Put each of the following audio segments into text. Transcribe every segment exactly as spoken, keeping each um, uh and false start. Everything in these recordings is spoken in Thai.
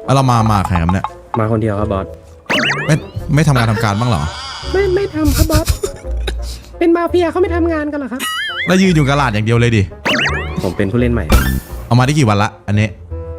แล้วเรามามาใครครับเนี่ยมาคนเดียวครับบอสไม่ไม่ทำงานทำการบ้างเหรอไม่ไม่ทำครับบอสเป็นมาเฟียเขาไม่ทำงานกันเหรอครับแล้วยืนอยู่กระลาดอย่างเดียวเลยดิผมเป็นผู้เล่นใหม่เอามาได้กี่วันละอันนี้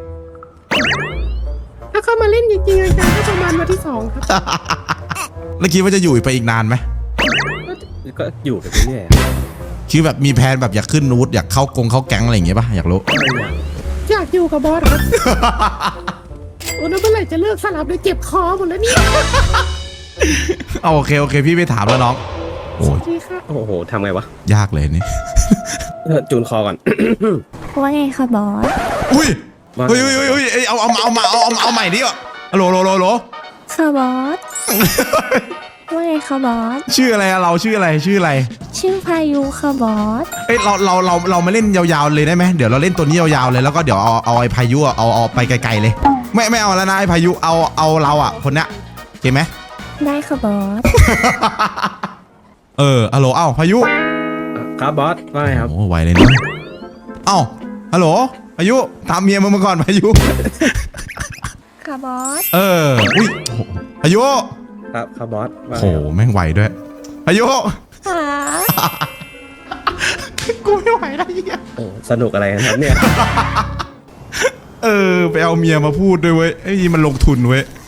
ถ้าเข้ามาเล่นจริงๆจังๆก็ประมาณวันที่สองครับแล้วคิดว่าจะอยู่ไปอีกนานไหมก็อยู่ไปเรื่อยๆคิดแบบมีแผนแบบอยากขึ้นนูดอยากเข้ากงเข้าแก๊งอะไรอย่างเงี้ยป่ะอยากรู้อยากอยู่กับบอสครับโอ้แล้วเมื่อไหร่จะเลิกสลับเลยเจ็บคอหมดแล้วเนี่ยเอาโอเคโอเคพี่ไม่ถามแล้วน้องโอ้ยโอ้โหทำไงวะยากเลยนี่จูนคอก่อนว่าไงคะบอสอุ้ยเฮ้ยเฮ้ยเฮ้ยเอาเอาเอามาเอาเอาเอาใหม่ดิอ่ะโหลโหลโหลโหลค่ะบอสว่าไงคะบอสชื่ออะไรเราชื่ออะไรชื่ออะไรชื่อพายุค่ะบอสเอ้ยเราเราเราเรามาเล่นยาวๆเลยได้ไหมเดี๋ยวเราเล่นตัวนี้ยาวๆเลยแล้วก็เดี๋ยวเอาเอาไอ้พายุเอาเอาไปไกลๆเลยไม่ไม่เอาแล้วนะไอ้พายุเอาเอาเราอ่ะคนเนี้ยโอเคไหมได้ค่ะบอสเออฮัลโหลเอ้าพายุครับบอสว่าไงครับโอ้ไวเลยนะเอ้าฮัลโหลพายุตามเมียมึงมาก่อนพายุค่ะบอสเอออุ้ยพายุครับครับบอสโหแม่งไวด้วยพายุค่ะกูไม่ไหวแล้วเนี่ยโอ้สนุกอะไรครับเนี่ยเออไปเอาเมียมาพูดด้วยเว้ยไอ้ยี่มันลงทุนเว้ย